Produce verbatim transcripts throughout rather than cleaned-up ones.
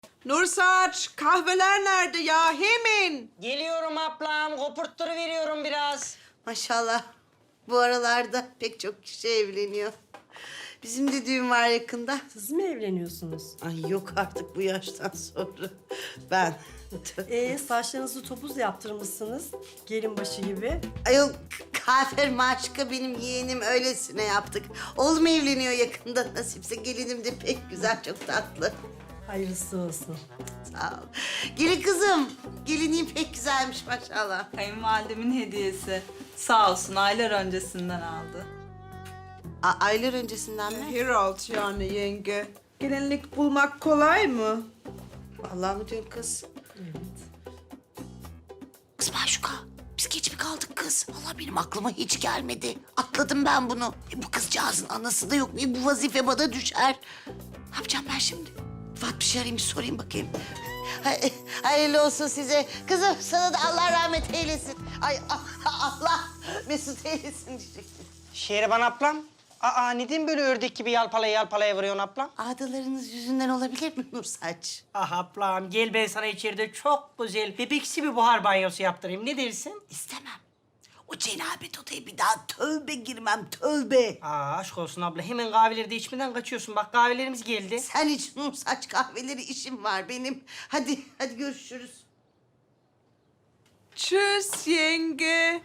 Nursaç, kahveler nerede ya? Hemen. Geliyorum ablam, kopurtturu veriyorum biraz. Maşallah. Bu aralarda pek çok kişi evleniyor. Bizim de düğün var yakında. Siz mi evleniyorsunuz? Ay yok artık bu yaştan sonra. Ben. Ee, saçlarınızı topuz yaptırmışsınız. Gelin başı gibi. Ayol Kafer Maşka benim yeğenim öylesine yaptık. Oğlum evleniyor yakında. Nasipse gelinim de pek güzel, çok tatlı. Hayırlısı olsun. Sağ ol. Gelin kızım. Gelinliğin pek güzelmiş maşallah. Kayınvalidemin hediyesi. Sağ olsun aylar öncesinden aldı. A aylar öncesinden mi? Herald yani yenge. Gelinlik bulmak kolay mı? Allah mı diyorsun kız? Kız Maşuka, biz geç mi kaldık kız? Vallahi benim aklıma hiç gelmedi. Atladım ben bunu. E, bu kızcağızın anası da yok. E, bu vazife bana düşer. Ne yapacağım ben şimdi? Fatma bir şey arayayım, bir sorayım bakayım. Hay- Hayırlı olsun size. Kızım sana da Allah rahmet eylesin. Ay Allah mesut eylesin diyecektim. Şehriban ablam, aa neden böyle ördek gibi yalpalaya yalpalaya vuruyorsun ablam? Adalarınız yüzünden olabilir mi Nursaç? Ah ablam, gel ben sana içeride çok güzel bebeksi bir buhar banyosu yaptırayım. Ne dersin? İstemem. O cenabet odaya bir daha tövbe girmem, tövbe. Aa aşk olsun abla, hemen kahveleri de içmeden kaçıyorsun. Bak kahvelerimiz geldi. Sen iç Nursaç, kahveleri işim var benim. Hadi, hadi görüşürüz. Tschüss yenge.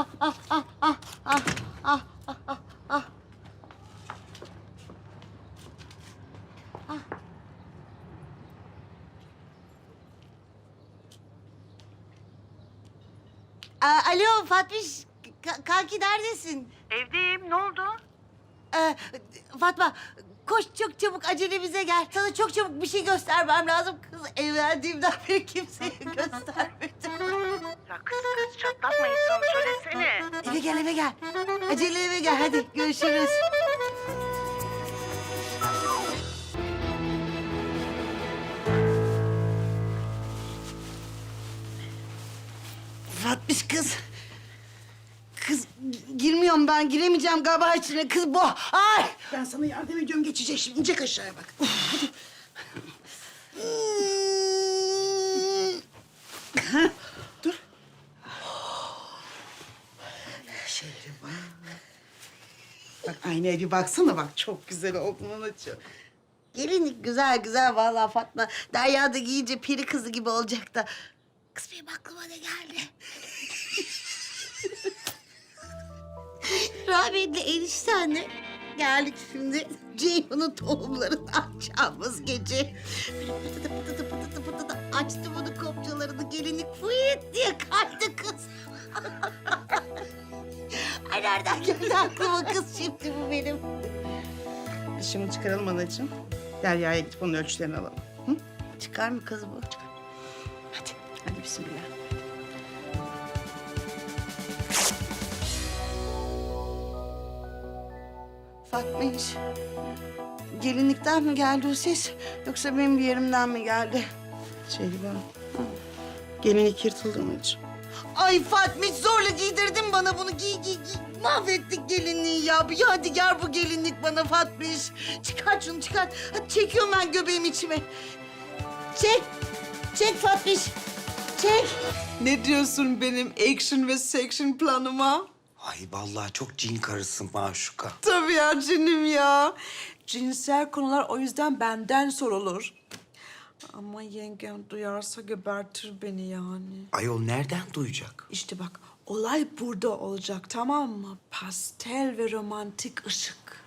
Aa, alo Fatmiş, Ka- kanki neredesin? Evdeyim. Ne oldu? Ee, Fatma, koş çok çabuk acelemize gel. Sana çok çabuk bir şey göstermem lazım. Kız evlendiğimden beri kimseye göstermedim. Ya kız kız çatlatma insanı. Söylesene. Eve gel, eve gel. Acele eve gel, hadi görüşürüz. Fatmiş kız. Kız girmiyorum ben, giremeyeceğim galiba içine. Kız bu. Ay! Ben sana yardım ediyorum, geçecek şimdi. İnecek aşağıya bak. Dur. Şehriban. Bak aynaya bir baksana bak. Çok güzel oldun anacığım. Gelinlik güzel güzel vallahi Fatma. Derya da giyince peri kızı gibi olacak da. Kız benim aklıma ne geldi? Rahmetli eniştenle geldik şimdi. Ceyhun'un tohumlarını açacağımız gece. Böyle pıtıdı pıtıdı pıtıdı pıtıdı açtı bunu kopçalarını. Gelinlik fıyıt diye kaydı kız. Ay nereden geldi aklıma kız şimdi bu benim? Biz şimdi çıkaralım anacığım. Derya'ya gidip onun ölçülerini alalım. Hı? Çıkar mı kız bu? Hadi. Hadi bismillah. Fatma hiç gelinlikten mi geldi o ses yoksa benim bir yerimden mi geldi? Şehriban. Gelinlik yırtıldı anacığım. Ay Fatma hiç zorla giydirdin bana bunu. Giy giy giy. Mahvettik gelinliği ya. Bir yadigar bu gelinlik bana Fatma hiç. Çıkart şunu çıkart. Hadi çekiyorum ben göbeğimi içime. Çek. Çek Fatma hiç. Çek. Ne diyorsun benim action ve section planıma? Ay vallahi çok cin karısın Maşuka. Tabii ya canım ya. Cinsel konular o yüzden benden sorulur. Ama yengem duyarsa gebertir beni yani. Ayol nereden duyacak? İşte bak olay burada olacak tamam mı? Pastel ve romantik ışık.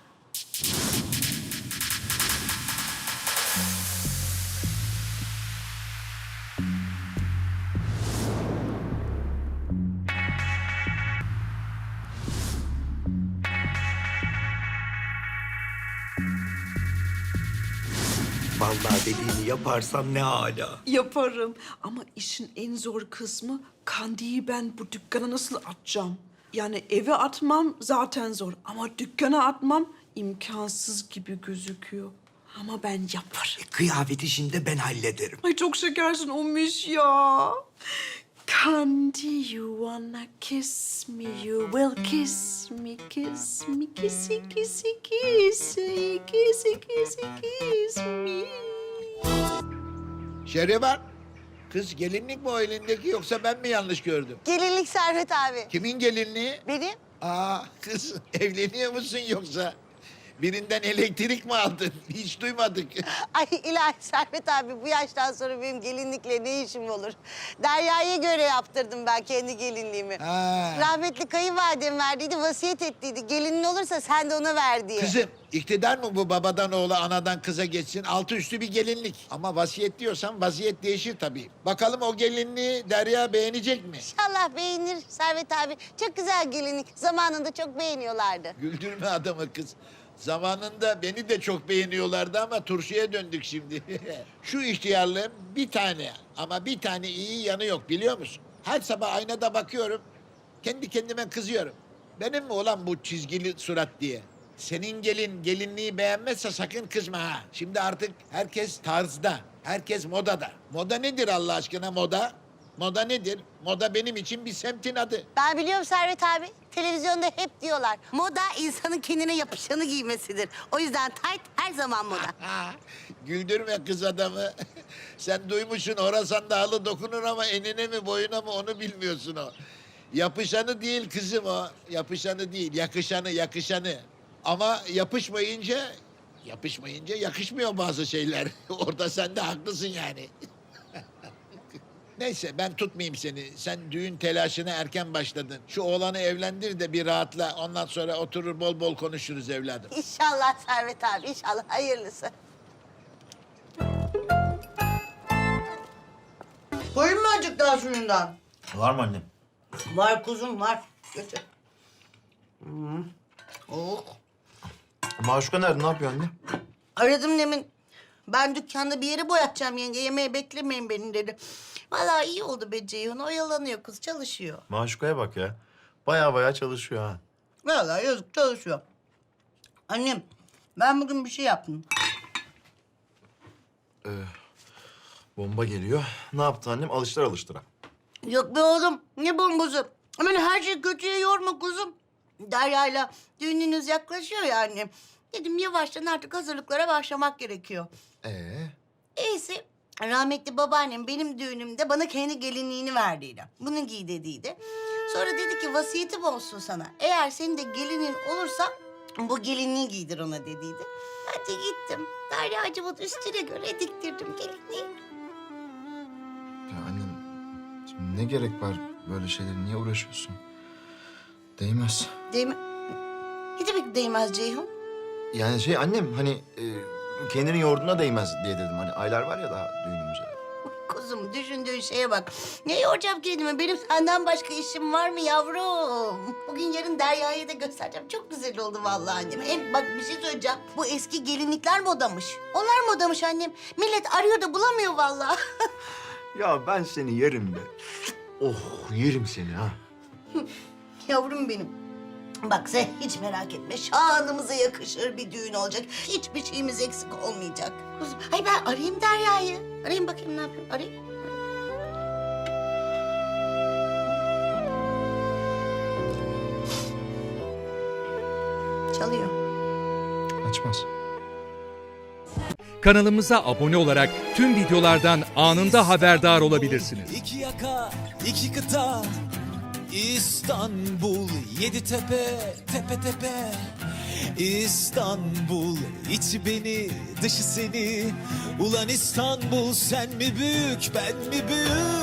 Vallahi dediğini yaparsan ne hala. Yaparım ama işin en zor kısmı Kandi'yi ben bu dükkana nasıl atacağım? Yani eve atmam zaten zor ama dükkana atmam imkansız gibi gözüküyor. Ama ben yaparım. Kıyafet işini de ben hallederim. Ay çok şekersin Omiş ya. Candy, you wanna kiss me, you will kiss me, kiss me, kissy, kissy, kissy, kissy, kissy, kiss me. Şehriban, kız gelinlik mi o elindeki yoksa ben mi yanlış gördüm? Gelinlik Servet abi. Kimin gelinliği? Benim. Aa kız evleniyor musun yoksa? Birinden elektrik mi aldın? Hiç duymadık. Ay ilahi Servet abi bu yaştan sonra benim gelinlikle ne işim olur? Derya'ya göre yaptırdım ben kendi gelinliğimi. Ha. Rahmetli kayınvalidem verdiydi, vasiyet ettiydi. Gelinin olursa sen de ona ver diye. Kızım iktidar mı bu babadan oğula anadan kıza geçsin? Altı üstü bir gelinlik. Ama vasiyet diyorsan vaziyet değişir tabii. Bakalım o gelinliği Derya beğenecek mi? İnşallah beğenir Servet abi. Çok güzel gelinlik. Zamanında çok beğeniyorlardı. Güldürme adamı kız. Zamanında beni de çok beğeniyorlardı ama turşuya döndük şimdi. Şu ihtiyarlığın bir tane ama bir tane iyi yanı yok biliyor musun? Her sabah aynada bakıyorum, kendi kendime kızıyorum. Benim mi olan bu çizgili surat diye? Senin gelin gelinliği beğenmezse sakın kızma ha. Şimdi artık herkes tarzda, herkes modada. Moda nedir Allah aşkına moda? Moda nedir? Moda benim için bir semtin adı. Ben biliyorum Servet abi. Televizyonda hep diyorlar. Moda insanın kendine yapışanı giymesidir. O yüzden tayt her zaman moda. Ha, güldürme kız adamı. Sen duymuşsun Horasan Dağlı dokunur ama enine mi boyuna mı onu bilmiyorsun o. Yapışanı değil kızım o. Yapışanı değil, yakışanı, yakışanı. Ama yapışmayınca, yapışmayınca yakışmıyor bazı şeyler. Orada sen de haklısın yani. Neyse ben tutmayayım seni. Sen düğün telaşına erken başladın. Şu oğlanı evlendir de bir rahatla. Ondan sonra oturur bol bol konuşuruz evladım. İnşallah Servet abi, inşallah hayırlısı. Koyayım mı azıcık daha suyundan? Var mı annem? Var kuzum var. Götür. Hmm. Oh. Maşuka nerede? Ne yapıyor anne? Aradım demin. Ben dükkanda bir yere boyatacağım yenge. Yemeğe beklemeyin beni dedi. Vallahi iyi oldu be Ceyhun. Oyalanıyor kız, çalışıyor. Maşuka'ya bak ya. Baya baya çalışıyor ha. Vallahi yazık çalışıyor. Annem, ben bugün bir şey yaptım. Ee, bomba geliyor. Ne yaptı annem? Alıştıra alıştıra. Yok be oğlum, ne bombası? Hemen her şeyi kötüye yorma kuzum. Derya'yla düğününüz yaklaşıyor ya annem. Dedim yavaştan artık hazırlıklara başlamak gerekiyor. Ee? İyisi rahmetli babaannem benim düğünümde bana kendi gelinliğini verdiydi. Bunu giy dediydi. Sonra dedi ki vasiyetim olsun sana. Eğer senin de gelinin olursa bu gelinliği giydir ona dediydi. Ben de gittim. Derya'cığımın üstüne göre diktirdim gelinliği. Ya annem, şimdi ne gerek var böyle şeylere? Niye uğraşıyorsun? Değmez. Değil mi? Ne demek değmez Ceyhun? Yani şey annem hani e, kendini yoğurduğuna değmez diye dedim. Hani aylar var ya daha düğünümüze. Kuzum düşündüğün şeye bak. Ne yoracağım kendimi? Benim senden başka işim var mı yavrum? Bugün yarın Derya'ya da göstereceğim. Çok güzel oldu vallahi annem. Hem bak bir şey söyleyeceğim. Bu eski gelinlikler modamış. Onlar modamış annem. Millet arıyor da bulamıyor vallahi. Ya ben seni yerim be. Oh yerim seni ha. Yavrum benim. Bak sen hiç merak etme. Şanımıza yakışır bir düğün olacak. Hiçbir şeyimiz eksik olmayacak. Kuzum, ay ben arayayım Derya'yı. Arayayım bakayım ne yapıyor. Arayayım. Çalıyor. Açmaz. Kanalımıza abone olarak tüm videolardan anında haberdar olabilirsiniz. İki yaka, iki kıta, İstanbul, yedi tepe, tepe tepe. İstanbul, içi beni, dışı seni. Ulan İstanbul, sen mi büyük, ben mi büyük?